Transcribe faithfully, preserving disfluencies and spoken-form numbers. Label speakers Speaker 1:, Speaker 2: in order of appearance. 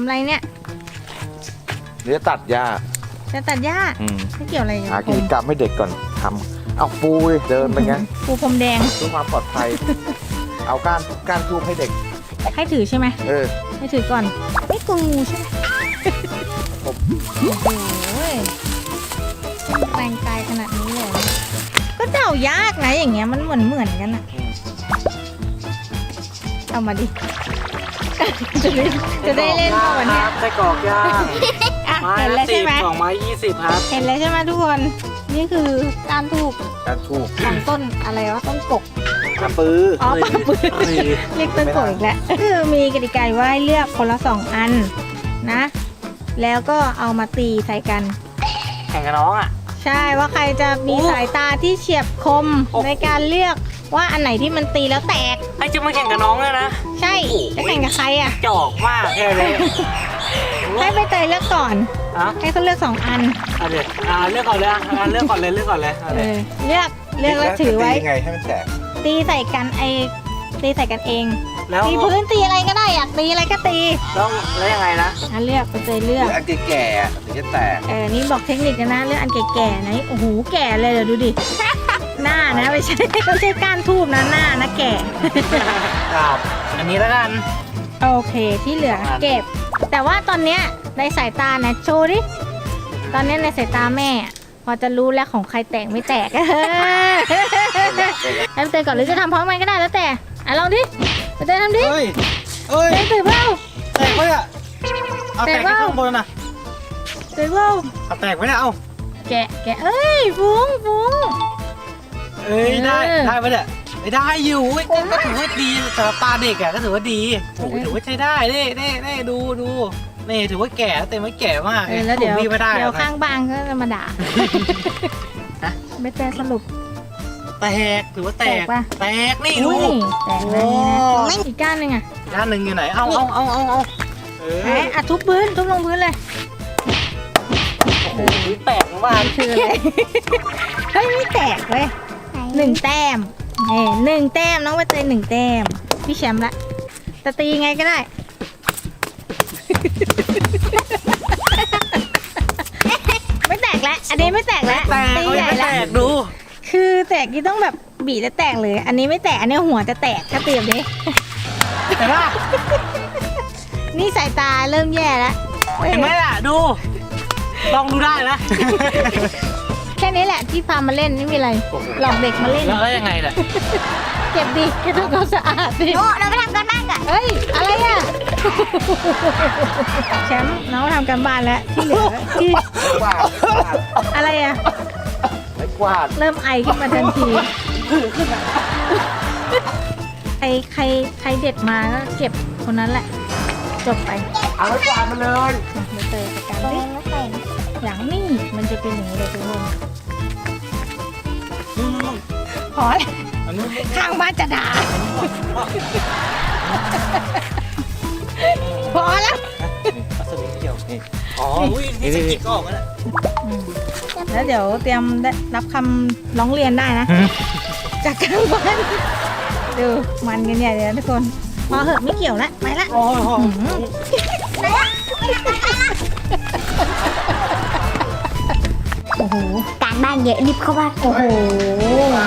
Speaker 1: ำอะไรเนี่ย
Speaker 2: เดี๋ยวตัดหญ้า
Speaker 1: จะตัดหญ้าไม่เกี่ยวอะไรกับ
Speaker 2: หากิจกรรมให้เด็กก่อนทำเอาปูเลยเดินไปงั้น
Speaker 1: ปูพรมแดง
Speaker 2: เพื่อความปลอดภัยเอาก้านก้านทูบให้เด็ก
Speaker 1: ให้ถือใช่ไหม
Speaker 2: เออ
Speaker 1: ให้ถือก่อนไม่กลัวงูใช่ไหมโอ้โหแรงกายขนาดนี้เลยก็เดายากนะอย่างเงี้ยมันเหมือนเหมือนกันอะเอามาดิจะได้จะได้เล่นก่อนเนี่ย
Speaker 3: ไส้กรอกย่าง
Speaker 1: เห็นแล้วใช่ไหม
Speaker 3: สองไม้ยี่สิบครับ
Speaker 1: เห็นแล้วใช่ไหมทุกคนนี่คือการถูก
Speaker 2: การถูก
Speaker 1: ของต้นอะไรวะต้นกก
Speaker 2: ปลาปื้อ
Speaker 1: อ๋อปลาปื้อเรียกต้นกกอีกแล้วคือมีกติกาว่าให้เลือกคนละสองอันนะแล้วก็เอามาตีใส่กัน
Speaker 3: แข่งกับน้องอ่ะ
Speaker 1: ใช่ว่าใครจะมีสายตาที่เฉียบคมในการเลือกว่าอันไหนที่มันตีแล้วแตก
Speaker 3: ไอ้จะมาแข่งกับน้องเลยนะ
Speaker 1: ใช่จะแข่งกับใครอ่ะ
Speaker 3: จอกมากแค่เลย
Speaker 1: ให้ใบเตยเลือกก่อนให้เขาเลือกสองอัน
Speaker 3: อ่ะเดี๋ยวอ่าเลือกก่อนเลยอ่ะเลือกก่อนเลยเลือกก่อนเลย
Speaker 1: เลือกเลือกแล้วถือไว้
Speaker 2: ไงให้มันแตก
Speaker 1: ตีใส่กันไอตีใส่กันเองตีพื้นตีอะไรก็ได้อยากตีอะไรก็ตี
Speaker 3: แล้วแล้วยังไงนะ
Speaker 1: อ่ะเลือกใบเตยเลือก
Speaker 2: อันแก่ๆถึงจะแตก
Speaker 1: เออนี่บอกเทคนิคนะเลือกอันแก่ๆนะโอ้โหแก่เลยเดี๋ยวดูดิหน้านะไม่ใช่ไม่ใช่ก้านทูบนะหน้านะแก่
Speaker 3: ครับอันนี้แล้วกัน
Speaker 1: โอเคที่เหลือเก็บแต่ว่าตอนเนี้ยในสายตานะโชว์ดิตอนนี้ในสายตาแม่พอจะรู้แล้วของใครแตกไม่แตกให้เตยก่อนหรือจะทำพร้อมกันก็ได้แล้วแต่อ่ะลองดิเตยทำดิ
Speaker 3: เฮ้ยเฮ้ย
Speaker 1: เตยเปล่า
Speaker 3: แตกไหมอ่ะเอาแตกข้างบนนะ
Speaker 1: เตยเปล่า
Speaker 3: เอาแตกไหมเนี่ยเอา
Speaker 1: แกะแกะเอ้ยฟุ้งฟุ้ง
Speaker 3: เอ้ยได้ได้ไหมเนี่ยได้อยู่ก็ถือว่าดีสำหรับตาเด็กอ่ะก็ถือว่าดีโอ้ถือว่าใช้ได้เน่เน่เน่ดูดูนี่ถือว่าแก่เต็มไม่แก่มาก
Speaker 1: แล้วเดี๋ยวเดี๋ยวข้างบ้านก็จะมาด่าไม่แตกสรุป
Speaker 3: แตกถือว่าแตกแตกนี่ดู
Speaker 1: แตกแล้วนี่นะอีกก้านหนึ่งอ่ะ
Speaker 3: ก้านหนึ่งอยู่ไหนเอาเอาเอาเอาเอา
Speaker 1: แหมอ่ะทุบพื้นทุบลงพื้นเลย
Speaker 3: โอ้โหแตกบ้าน
Speaker 1: คืออะไรเฮ้ยไม่แตกเลยหนึ่งแต้มเฮ้หนึ่งแต้มน้องใบเตยหนึ่งแต้มพี่แชมป์ละแต่ตีไงก็ได้ไม่แตกแล้วอันนี้ไม่แตกแล้ว
Speaker 3: ตีใหญ่แล้วดู
Speaker 1: คือแตกที่ต้องแบบบีบแล้วแตกเลยอันนี้ไม่แตกอันนี้หัวจะแตกถ้าเปรียบดิ
Speaker 3: แต่ว่า
Speaker 1: นี่สายตาเริ่มแย่แล้ว
Speaker 3: เห็นไหมล่ะดูลองดูได้นะ
Speaker 1: แค่นี้แหละที่พามาเล่นไม่มีอะไรหลอกเด็กมาเล่น
Speaker 3: แล้วยังไงล่ะ
Speaker 1: เก็บดิแค่ทำความสะอาดดิ
Speaker 4: โอ้เราไปทำกันบ้านกัน
Speaker 1: เฮ้ยอะไรอ่ะแชมป์น้องทำกันบ้านแล้วที่เหลือที่อะไรอ่ะ
Speaker 2: ไม่กวาด
Speaker 1: เริ่มไอขึ้นมาทันทีใครใครใครเด็ดมาก็เก็บคนนั้นแหละจบไป
Speaker 2: เอาไม่กวาดมาเลย
Speaker 1: มาเตยกันดิอย่างนี้มันจะเป็นอย่างนี้เลยทุกคนพอแล้วข้างบ้านจะด่าพอแล้ว
Speaker 3: สวิงเกี่ยวนี่อ๋อนี่สกิกก็ออกมาแล้ว
Speaker 1: แล้วเดี๋ยวเตรียมรับคำร้องเรียนได้นะจากข้างบ้านดูมันกันใหญ่เลยทุกคนพอเหอะไม่เกี่ยวแล้วไปละ
Speaker 3: โอ้โห
Speaker 1: โอ้โห
Speaker 4: การบ้านเยอะรีบเข้าบ้าน
Speaker 1: โอ้โห